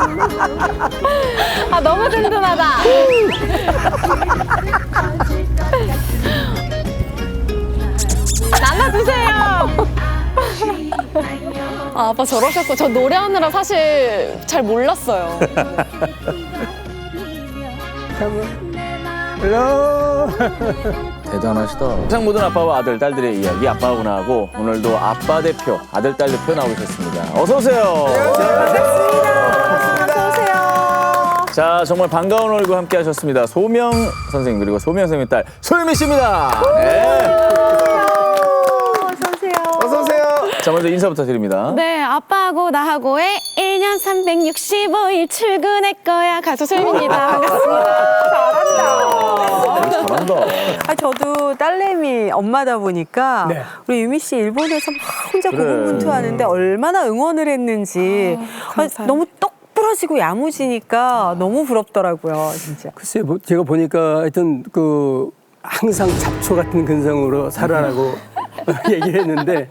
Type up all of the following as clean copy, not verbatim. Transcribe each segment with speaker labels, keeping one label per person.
Speaker 1: 아, 너무 든든하다. 나눠주세요. 아, 아빠 저러셨고 저 노래하느라 사실 잘 몰랐어요.
Speaker 2: 헬로.
Speaker 3: 대단하시다. 세상 모든 아빠와 아들, 딸들의 이야기 아빠구나하고 오늘도 아빠 대표, 아들, 딸 대표 나오셨습니다. 어서 오세요. 자, 정말 반가운 얼굴 함께 하셨습니다. 소명 선생님 그리고 소명 선생님 딸 소유미 씨입니다. 네.
Speaker 2: 어서 오세요.
Speaker 3: 자, 먼저 인사부터 드립니다.
Speaker 1: 네, 아빠하고 나하고의 1년 365일 출근할 거야. 가수 소유미입니다. 반갑습니다.
Speaker 3: 잘한다.
Speaker 4: 아, 저도 딸내미 엄마다 보니까
Speaker 2: 네.
Speaker 4: 우리 유미 씨 일본에서 막 혼자
Speaker 3: 그래.
Speaker 4: 고군분투하는데 얼마나 응원을 했는지 너무 똑 부러지고 야무지니까 너무 부럽더라고요, 진짜.
Speaker 2: 글쎄, 제가 보니까 하여튼 항상 잡초 같은 근성으로 살아라고 얘기를 했는데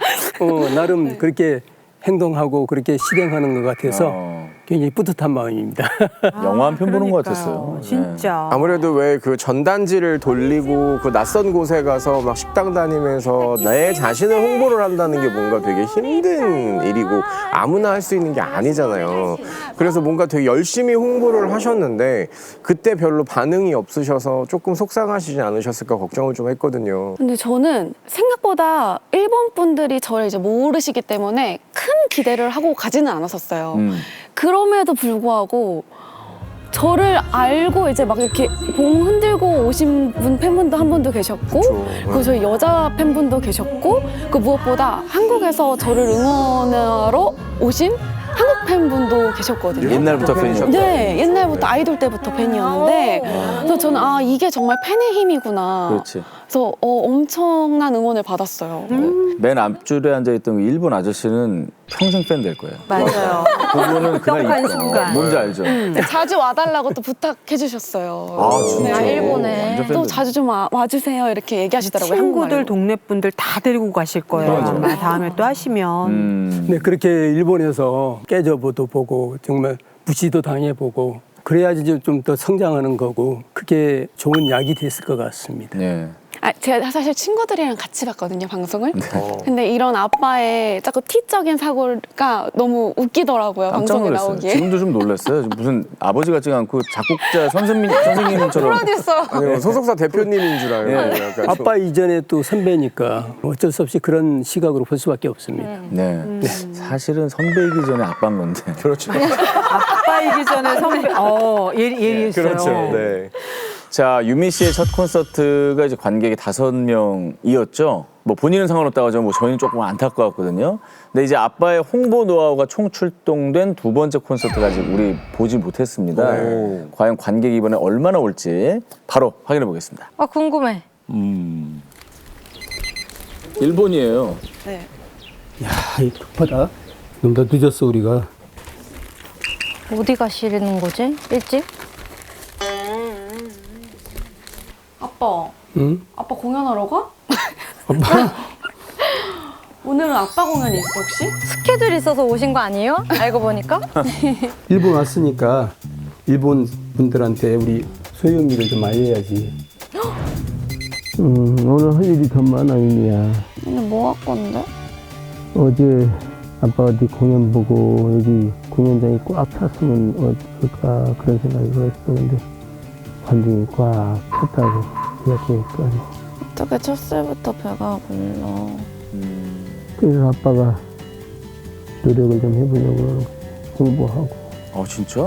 Speaker 2: 나름 그렇게 행동하고 그렇게 실행하는 것 같아서 굉장히 뿌듯한 마음입니다.
Speaker 3: 영화 한 편 보는 것
Speaker 4: 그러니까요.
Speaker 3: 같았어요.
Speaker 4: 진짜.
Speaker 5: 아무래도 왜 그 전단지를 돌리고 그 낯선 곳에 가서 막 식당 다니면서 내 자신을 홍보를 한다는 게 뭔가 되게 힘든 일이고 아무나 할 수 있는 게 아니잖아요. 그래서 뭔가 되게 열심히 홍보를 하셨는데 그때 별로 반응이 없으셔서 조금 속상하시지 않으셨을까 걱정을 좀 했거든요.
Speaker 1: 근데 저는 생각보다 일본 분들이 저를 이제 모르시기 때문에 큰 기대를 하고 가지는 않았었어요. 그럼에도 불구하고 저를 알고 이제 막 이렇게 봉 흔들고 오신 팬분도 한 분도 계셨고, 그리고 저희 여자 팬분도 계셨고, 그 무엇보다 한국에서 저를 응원하러 오신 한국 팬분도 계셨거든요.
Speaker 3: 옛날부터 팬이셨다.
Speaker 1: 네, 옛날부터 아이돌 때부터 팬이었는데, 그래서 저는 이게 정말 팬의 힘이구나.
Speaker 3: 그렇지.
Speaker 1: 그래서 엄청난 응원을 받았어요.
Speaker 3: 맨 앞줄에 앉아있던 그 일본 아저씨는 평생 팬 될 거예요.
Speaker 4: 맞아요.
Speaker 3: 그분은 그날
Speaker 4: 떡한
Speaker 3: 있고
Speaker 4: 순간.
Speaker 3: 뭔지 알죠?
Speaker 1: 자주 와달라고 또 부탁해 주셨어요.
Speaker 3: 아, 진짜?
Speaker 1: 네,
Speaker 3: 일본에. 완전
Speaker 1: 또
Speaker 3: 팬들.
Speaker 1: 자주 좀 와주세요 이렇게 얘기하시더라고요.
Speaker 4: 친구들,
Speaker 1: 한국말로.
Speaker 4: 동네 분들 다 데리고 가실 거예요.
Speaker 3: 맞아.
Speaker 4: 아마 다음에 또 하시면.
Speaker 2: 네, 그렇게 일본에서 깨져보도 보고 정말 무시도 당해보고 그래야지 좀 더 성장하는 거고 그게 좋은 약이 됐을 것 같습니다.
Speaker 3: 네.
Speaker 1: 제가 사실 친구들이랑 같이 봤거든요, 방송을. 근데 이런 아빠의 자꾸 티적인 사고가 너무 웃기더라고요,
Speaker 3: 깜짝
Speaker 1: 방송에
Speaker 3: 놀랐어요.
Speaker 1: 나오기에.
Speaker 3: 지금도 좀 놀랐어요. 무슨 아버지 같지가 않고 작곡자 선생님처럼.
Speaker 1: 프로듀서.
Speaker 5: 아니, 소속사 대표님인 줄 알고
Speaker 3: 예.
Speaker 5: 약간
Speaker 2: 아빠 이전에 또 선배니까 어쩔 수 없이 그런 시각으로 볼 수밖에 없습니다.
Speaker 3: 네. 사실은 선배이기 전에 아빠인 건데.
Speaker 5: 그렇죠.
Speaker 4: 아빠이기 전에 선배, 예리했어요.
Speaker 5: 그렇죠. 네.
Speaker 3: 자, 유미 씨의 첫 콘서트가 이제 관객이 5명이었죠. 뭐 본인은 상관없다고 하지만 뭐 저희는 조금 안타까웠거든요. 근데 이제 아빠의 홍보 노하우가 총 출동된 두 번째 콘서트가 아직 우리 보지 못했습니다.
Speaker 5: 네.
Speaker 3: 과연 관객이 이번에 얼마나 올지 바로 확인해 보겠습니다.
Speaker 6: 아, 궁금해.
Speaker 3: 일본이에요.
Speaker 1: 네.
Speaker 2: 야, 이 급하다. 너무 더 늦었어 우리가.
Speaker 6: 어디 가시는 거지? 일찍?
Speaker 1: 아빠,
Speaker 2: 응?
Speaker 1: 아빠 공연하러 가?
Speaker 2: 아빠?
Speaker 1: 오늘은 아빠 공연이 있어, 혹시?
Speaker 6: 스케줄 있어서 오신 거 아니에요? 알고 보니까?
Speaker 2: 일본 왔으니까 일본 분들한테 우리 소유미를 좀 알려야지. 오늘 할 일이 더 많아, 유미야.
Speaker 1: 오늘 뭐 할 건데?
Speaker 2: 어제 아빠 어디 공연 보고 여기 공연장이 꽉 찼으면 어떨까 그런 생각을 했었는데 관중이 꽉 찼다고 생각하니까
Speaker 1: 어떻게 첫날부터 배가 불러?
Speaker 2: 그래서 아빠가 노력을 좀 해보려고 홍보하고
Speaker 3: 진짜?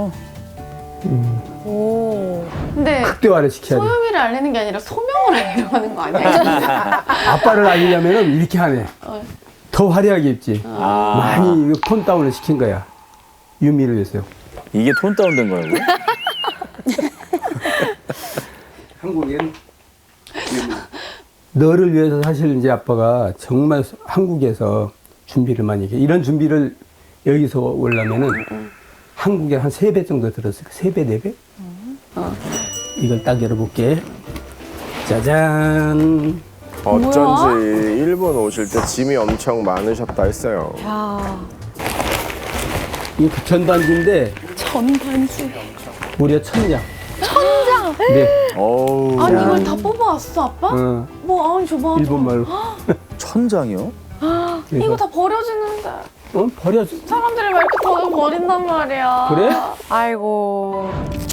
Speaker 1: 오. 근데
Speaker 2: 극대화를 시켜야 돼.
Speaker 1: 소유미를 알리는 게 아니라 소명을 알리려고 하는 거 아니야?
Speaker 2: 아빠를 알리려면 이렇게 하네. 더 화려하게 입지. 많이 톤 다운을 시킨 거야. 유미를 위해서요.
Speaker 3: 이게 톤 다운된 거라고?
Speaker 2: 한국엔 너를 위해서 사실 이제 아빠가 정말 한국에서 준비를 많이 해. 이런 준비를 여기서 오려면은 한국에 한 3배 정도 들었을 거야. 3배, 4배? 이걸 딱 열어볼게. 짜잔.
Speaker 5: 어쩐지 일본 오실 때 짐이 엄청 많으셨다 했어요.
Speaker 1: 야.
Speaker 2: 이게 전단지인데
Speaker 1: 전단지.
Speaker 2: 무려 1000장. 1000장? 네.
Speaker 3: 어우.
Speaker 1: 아니 이걸 다 뽑아왔어 아빠? 뭐 아니 줘봐.
Speaker 2: 일본 말로.
Speaker 3: 1000장이요?
Speaker 1: 이거 다 버려지는데
Speaker 2: 버려.
Speaker 1: 사람들이 왜 이렇게 더 버린단 말이야.
Speaker 2: 그래?
Speaker 4: 아이고.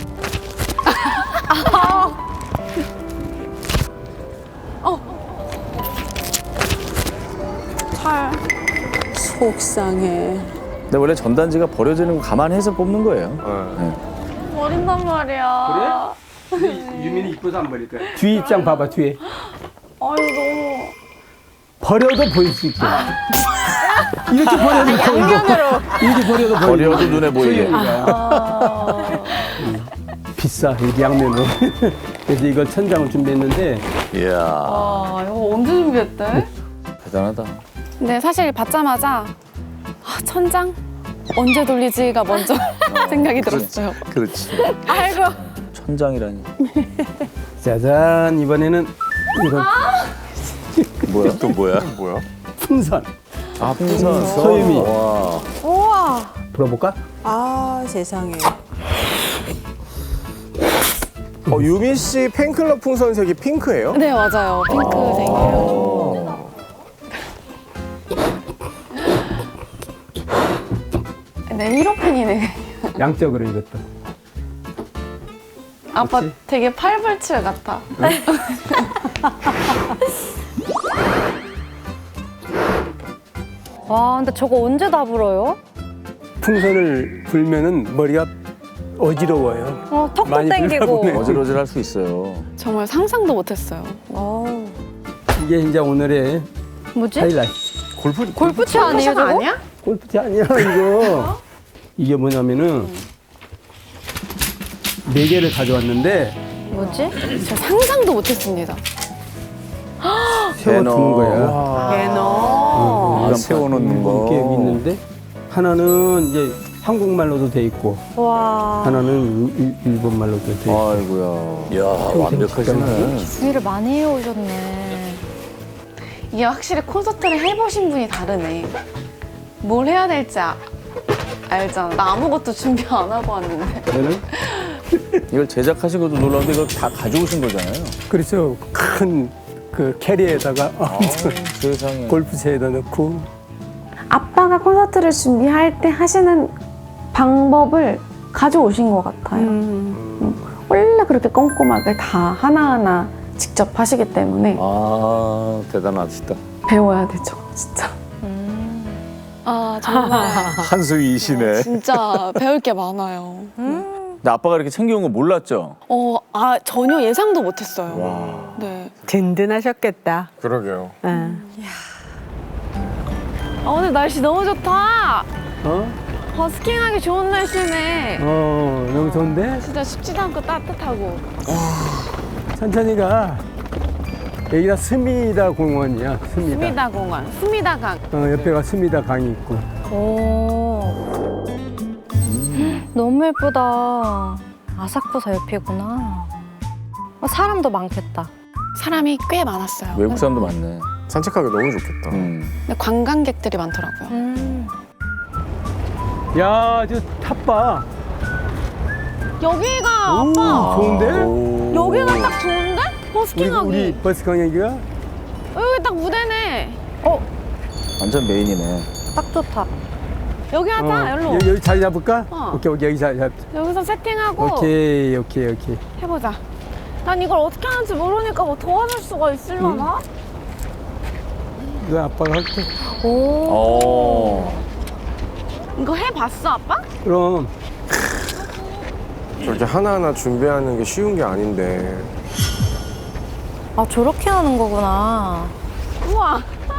Speaker 1: 잘.
Speaker 4: 속상해.
Speaker 3: 근데 원래 전단지가 버려지는 거 감안해서 뽑는 거예요.
Speaker 1: 버린단 말이야.
Speaker 2: 유민이 이뻐서 안 버릴 거야. 뒤 입장 봐봐 뒤에.
Speaker 1: 아유 너무.
Speaker 2: 버려도 보일 수 있게. 이렇게 버려도 양면으로. 이렇게 버려도 보이고.
Speaker 3: 버려도 눈에 보이게.
Speaker 2: 비싸 이렇게 양면으로. 그래서 이걸 1000장을 준비했는데
Speaker 3: 이야,
Speaker 1: 아 이거 언제 준비했대?
Speaker 3: 대단하다.
Speaker 1: 근데 사실 받자마자 1000장 언제 돌리지가 먼저 생각이 들었어요.
Speaker 3: 그렇지.
Speaker 1: 아이고.
Speaker 3: 1000장이라니.
Speaker 2: 짜잔 이번에는 이건
Speaker 3: 뭐야? 또 뭐야?
Speaker 5: 뭐야?
Speaker 2: 풍선.
Speaker 3: 아, 풍선.
Speaker 2: 소유미.
Speaker 3: 와.
Speaker 4: 우와.
Speaker 2: 불어볼까?
Speaker 4: 아 세상에.
Speaker 5: 유미 씨 팬클럽 풍선색이 핑크예요?
Speaker 1: 네 맞아요. 핑크색이에요. 네 1호 팬이네.
Speaker 2: 양쪽으로 이것도.
Speaker 1: 아빠
Speaker 2: 그치?
Speaker 1: 되게 팔불출 같아.
Speaker 6: 와, 근데 저거 언제 다 불어요?
Speaker 2: 풍선을 불면은 머리가 어지러워요.
Speaker 6: 턱도
Speaker 2: 많이
Speaker 6: 땡기고.
Speaker 2: 불러보네.
Speaker 3: 어질어질 할 수 있어요.
Speaker 1: 정말 상상도 못했어요.
Speaker 2: 이게 이제 오늘의
Speaker 6: 뭐지?
Speaker 2: 하이라이트.
Speaker 6: 골프채 아니에요, 저거?
Speaker 1: 아니야?
Speaker 2: 골프채 아니야 이거. 이게 뭐냐면은 4개를 가져왔는데
Speaker 6: 뭐지?
Speaker 1: 저 상상도 못했습니다.
Speaker 2: 세워두는 거야.
Speaker 4: 개너.
Speaker 3: 아, 세워놓는 거.
Speaker 2: 이렇게 있는데 하나는 이제 한국말로도 돼 있고
Speaker 4: 와.
Speaker 2: 하나는 일본 말로도 돼 있고.
Speaker 3: 아이고야. 이야, 완벽하시네.
Speaker 6: 준비를 많이 해오셨네.
Speaker 1: 이게 확실히 콘서트를 해보신 분이 다르네. 뭘 해야 될지 알잖아. 나 아무것도 준비 안 하고 왔는데.
Speaker 2: 저는
Speaker 3: 이걸 제작하시고도 놀라운데 이거 다 가져오신 거잖아요.
Speaker 2: 그래서 큰 그 캐리에다가
Speaker 3: 세상에.
Speaker 2: 골프채에다 넣고
Speaker 1: 아빠가 콘서트를 준비할 때 하시는 방법을 가져오신 것 같아요. 원래 그렇게 꼼꼼하게 다 하나하나 직접 하시기 때문에
Speaker 3: 아, 대단하시다.
Speaker 1: 배워야 되죠, 진짜. 아 정말
Speaker 3: 한수이시네.
Speaker 1: 진짜 배울 게 많아요.
Speaker 3: 근데 아빠가 이렇게 챙겨온 거 몰랐죠?
Speaker 1: 전혀 예상도 못했어요.
Speaker 3: 와.
Speaker 1: 네.
Speaker 4: 든든하셨겠다.
Speaker 5: 그러게요.
Speaker 4: 응.
Speaker 1: 오늘 날씨 너무 좋다.
Speaker 2: 어?
Speaker 1: 버스킹하기 좋은 날씨네.
Speaker 2: 너무 좋은데?
Speaker 1: 진짜 춥지도 않고 따뜻하고.
Speaker 2: 천천히 가. 여기가 스미다 공원이야. 스미다.
Speaker 1: 수미다 공원, 수미다강.
Speaker 2: 옆에가 스미다 강이 있고.
Speaker 6: 오. 너무 예쁘다. 아사쿠사 옆이구나. 사람도 많겠다.
Speaker 1: 사람이 꽤 많았어요.
Speaker 3: 외국 사람도 많네.
Speaker 5: 산책하기 너무 좋겠다.
Speaker 1: 근데 관광객들이 많더라고요.
Speaker 2: 야, 저 탑봐.
Speaker 1: 여기가 아빠.
Speaker 2: 좋은데?
Speaker 3: 오.
Speaker 1: 여기가 딱 좋은데? 버스킹하기.
Speaker 2: 우리 버스 강여기가?
Speaker 1: 여기 딱 무대네.
Speaker 3: 완전 메인이네.
Speaker 6: 딱 좋다.
Speaker 1: 여기 하자, 여기로.
Speaker 2: 여기 자리 잡을까?
Speaker 1: 어.
Speaker 2: 오케이, 여기 자리 잡자.
Speaker 1: 여기서 세팅하고
Speaker 2: 오케이.
Speaker 1: 해보자. 난 이걸 어떻게 하는지 모르니까 뭐 도와줄 수가 있으려나?
Speaker 2: 이거 아빠가 할게.
Speaker 3: 오.
Speaker 1: 이거 해봤어, 아빠?
Speaker 2: 그럼.
Speaker 5: 저렇게 하나하나 준비하는 게 쉬운 게 아닌데.
Speaker 6: 아, 저렇게 하는 거구나.
Speaker 1: 우와.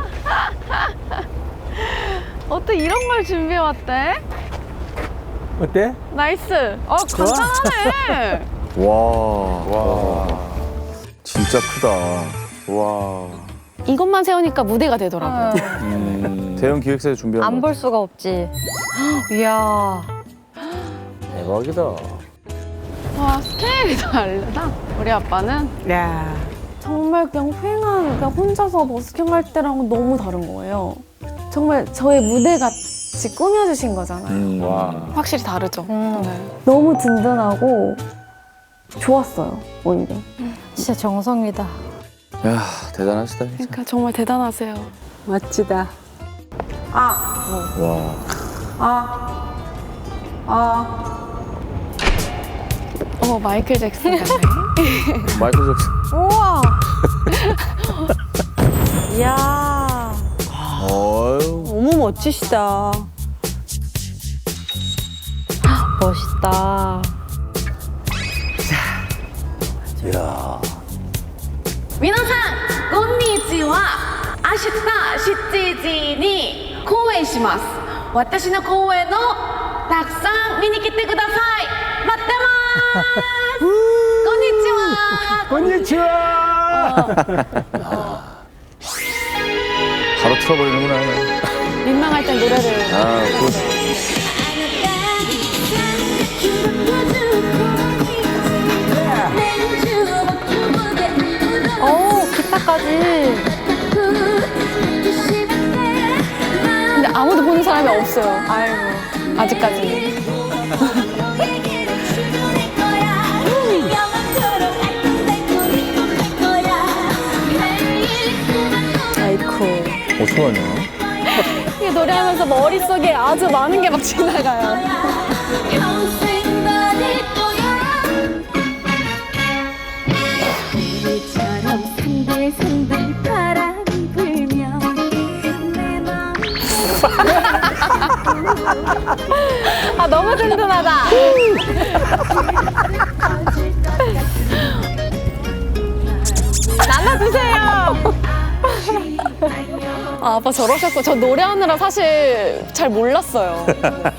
Speaker 1: 어떻게 이런 걸 준비해왔대?
Speaker 2: 어때?
Speaker 1: 나이스. 간단하네.
Speaker 3: 와. 진짜 크다.
Speaker 5: 와.
Speaker 1: 이것만 세우니까 무대가 되더라고요.
Speaker 3: 대형 기획사에 준비한
Speaker 6: 안
Speaker 3: 거.
Speaker 6: 볼 수가 없지. 이야.
Speaker 3: 대박이다.
Speaker 1: 와, 스케일이 다르다. 우리 아빠는
Speaker 4: 야.
Speaker 1: 정말 그냥 휑한, 그냥 혼자서 버스킹 할 때랑 너무 다른 거예요. 정말 저의 무대 같은 같이 꾸며주신 거잖아요.
Speaker 5: 와.
Speaker 1: 확실히 다르죠. 네.
Speaker 7: 너무 든든하고 좋았어요, 오히려.
Speaker 6: 진짜 정성이다.
Speaker 3: 야 대단하시다 진짜.
Speaker 1: 그러니까 정말 대단하세요.
Speaker 4: 멋지다.
Speaker 3: 와.
Speaker 1: 마이클 잭슨 같네.
Speaker 3: 마이클 잭슨.
Speaker 6: 우와.
Speaker 4: 이야,
Speaker 3: 어유.
Speaker 4: 너무 멋지시다.
Speaker 6: 멋있다.
Speaker 3: 이야.
Speaker 1: 皆さんこんにちは。明日7時に公演します。私の公演をたくさん見に来てください。待ってます。こんにちは。
Speaker 3: 바로 틀어버리는구나.
Speaker 1: 민망할 땐 노래를.
Speaker 3: 아, 굿.
Speaker 6: 오, 기타까지.
Speaker 1: 근데 아무도 보는 사람이 없어요. 아이고. 아직까지.
Speaker 4: 아이쿠.
Speaker 3: 어떡하냐?
Speaker 1: 이 노래하면서 머릿속에 아주 많은 게 막 지나가요.
Speaker 6: 아, 너무 든든하다.
Speaker 1: 아, 아빠 저러셨고 저 노래하느라 사실 잘 몰랐어요.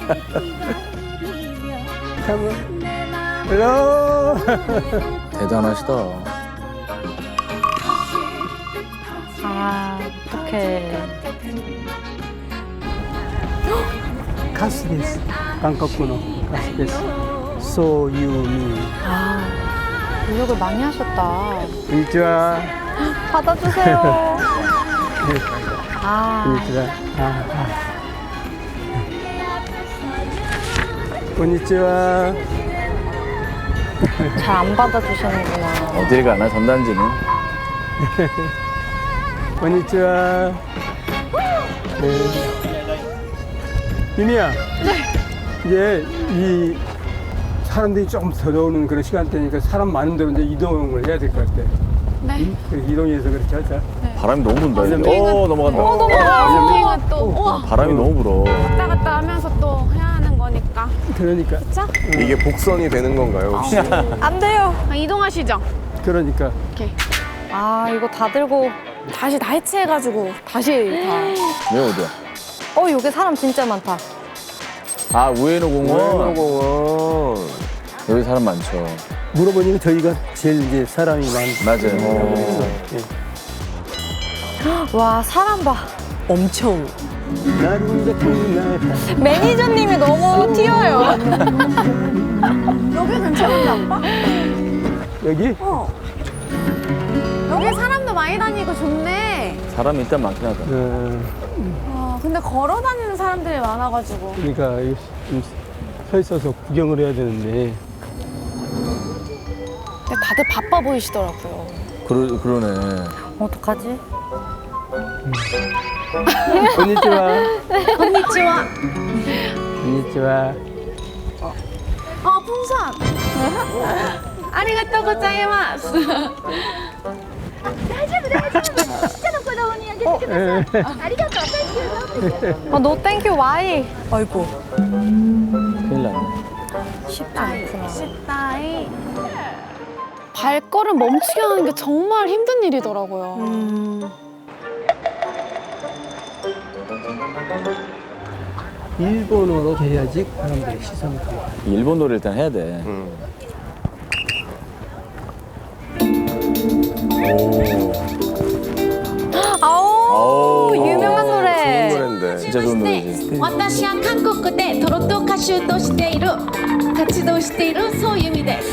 Speaker 2: 헬로.
Speaker 3: 대단하시다.
Speaker 6: 아, 어떡해.
Speaker 2: 가스です. 한국어로 가스です. 소유미.
Speaker 6: 노력을 많이 하셨다.
Speaker 2: konnichiwa.
Speaker 6: 받아주세요. 아,
Speaker 2: konnichiwa. konnichiwa.
Speaker 6: 잘 안 받아주시는구나.
Speaker 3: 어딜 가나 전단지는.
Speaker 2: konnichiwa. 유미야. 이제 이 사람들이 조금 들어오는 그런 시간대니까 사람 많은 데로 이제 이동을 해야 될 것 같아.
Speaker 1: 네.
Speaker 2: 그래서 이동해서 그렇게 하자.
Speaker 3: 바람이 너무 분다. 이제.
Speaker 2: 왜냐면-
Speaker 3: 넘어간다.
Speaker 1: 넘어가요. 또 우와.
Speaker 3: 바람이 너무 불어.
Speaker 1: 왔다 갔다 하면서 또 해야 하는 거니까.
Speaker 2: 그러니까.
Speaker 5: 이게 복선이 되는 건가요, 혹시?
Speaker 6: 안 돼요.
Speaker 1: 이동하시죠.
Speaker 2: 그러니까.
Speaker 1: 이렇게.
Speaker 6: 아, 이거 다 들고.
Speaker 1: 다시 다 해체해가지고 다시 다.
Speaker 3: 왜 어디야?
Speaker 6: 여기 사람 진짜 많다.
Speaker 3: 아 우에노 공원.
Speaker 5: 공원.
Speaker 3: 여기 사람 많죠.
Speaker 2: 물어보니까 저희가 제일 이제 사람이
Speaker 3: 맞아요.
Speaker 2: 예.
Speaker 6: 와, 사람 봐.
Speaker 4: 엄청.
Speaker 6: 매니저님이 너무 튀어요.
Speaker 1: 여기 괜찮은데 아빠?
Speaker 2: 여기?
Speaker 1: 여기 사람도 많이 다니고 좋네.
Speaker 3: 사람이 일단 많긴 하다.
Speaker 1: 근데 걸어 다니는 사람들이 많아가지고.
Speaker 2: 그러니까 이거 좀 서 있어서 구경을 해야 되는데.
Speaker 1: 근데 다들 바빠 보이시더라고요.
Speaker 3: 그러네.
Speaker 6: 어떡하지?
Speaker 2: konnichiwa.
Speaker 1: 건니치와.
Speaker 2: konnichiwa.
Speaker 1: 풍선. 아리가또 고자이마스.
Speaker 6: 노 땡큐 와이.
Speaker 4: 아이고.
Speaker 3: 큰일 났네.
Speaker 6: 쉽지 않구나.
Speaker 1: 식다이. 발걸음 멈추게 하는 게 정말 힘든 일이더라고요.
Speaker 2: 일본어로 해야지 사람들의 시선을 가요.
Speaker 3: 일본 노래 일단 해야 돼.
Speaker 6: 아우,
Speaker 3: 아우,
Speaker 6: 유명한
Speaker 5: 좋은
Speaker 6: 노래.
Speaker 5: 노래인데.
Speaker 3: 진짜 좋은 노래지.
Speaker 8: 私は韓国でトロット歌手としている活動しているそういう意味です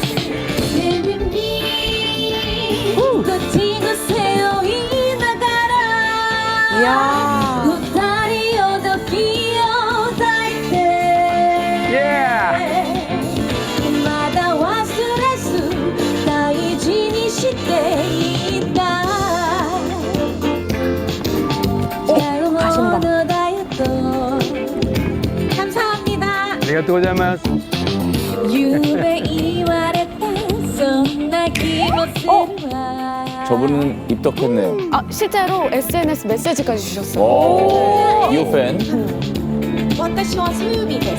Speaker 8: どっちの背負いながら
Speaker 4: 이야.
Speaker 8: 二人を時を
Speaker 2: 아리가또 고자이마스.
Speaker 8: 夢言われたそんな気もするわ
Speaker 3: 저분은 입덕했네요.
Speaker 1: 아, 실제로 SNS 메시지까지 주셨어요.
Speaker 3: 오, 이호 팬.
Speaker 8: 私はソユミです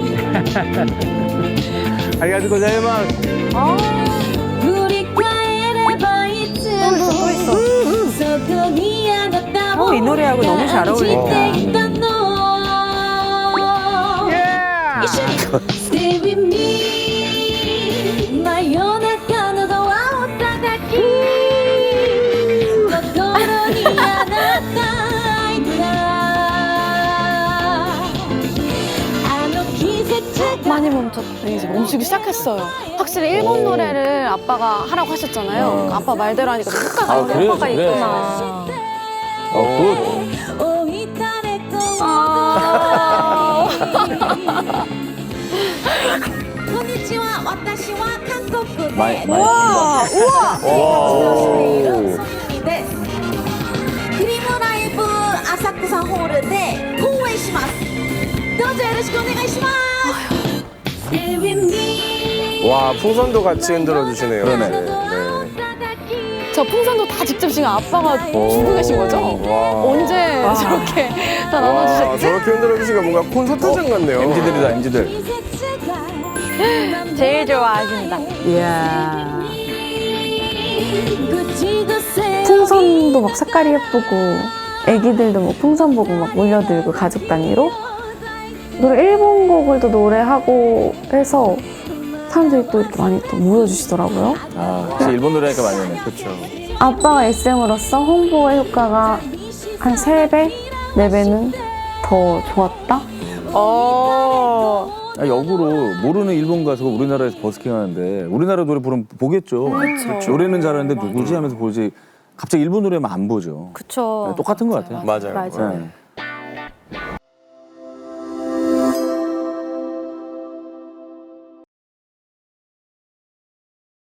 Speaker 2: 아리가또 고자이마스.
Speaker 8: 振り返ればいつもそこにあなたを
Speaker 4: 이 노래하고 너무 잘
Speaker 8: 感じ
Speaker 4: 어울린다.
Speaker 8: ていたの一緒に Stay with me 真夜中のドアを叩き心にあなたいたあの季節
Speaker 1: 많이 이제 멈추기 시작했어요. 확실히 일본 노래를 아빠가 하라고 하셨잖아요. 아빠 말대로 하니까 효과가
Speaker 3: 아, 그래요?
Speaker 1: 효과가
Speaker 3: 그래요?
Speaker 1: 있구나.
Speaker 3: 굿.
Speaker 8: 置いたれここんにちは私は韓国で
Speaker 3: 많이, 많이.
Speaker 8: 우와
Speaker 3: 活動している
Speaker 8: ソユミですクリームライブ浅草ホールで公演しますどうぞよろしくお願いします Stay with me
Speaker 5: 와 풍선도 같이 흔들어 주시네요.
Speaker 3: 그러네.
Speaker 1: 저 풍선도 다 직접 지금 아빠가 주고 계신 거죠? 언제 저렇게 다
Speaker 5: 와
Speaker 1: 나눠주셨지?
Speaker 5: 저렇게 흔들어 주시니까 뭔가 콘서트장 같네요.
Speaker 3: MZ들이다, MZ들.
Speaker 6: 제일 좋아하신다.
Speaker 4: 이야.
Speaker 7: 풍선도 막 색깔이 예쁘고 애기들도 뭐 풍선 보고 막 몰려들고 가족 단위로 노래 일본 곡을 또 노래하고 해서 사람들이 또 이렇게 많이 또 모여주시더라고요.
Speaker 3: 아, 역시 일본 노래니까 많이 오네. 그렇죠.
Speaker 7: 아빠가 SM으로서 홍보의 효과가 한 3배, 4배는 더 좋았다?
Speaker 3: 아, 역으로 모르는 일본 가수가 우리나라에서 버스킹 하는데 우리나라 노래 부르면 보겠죠. 노래는 잘하는데 누구지 하면서 보지. 갑자기 일본 노래만 안 보죠.
Speaker 6: 그쵸.
Speaker 3: 네, 똑같은 것 같아요.
Speaker 5: 맞아요.
Speaker 6: 맞아요.
Speaker 3: 네.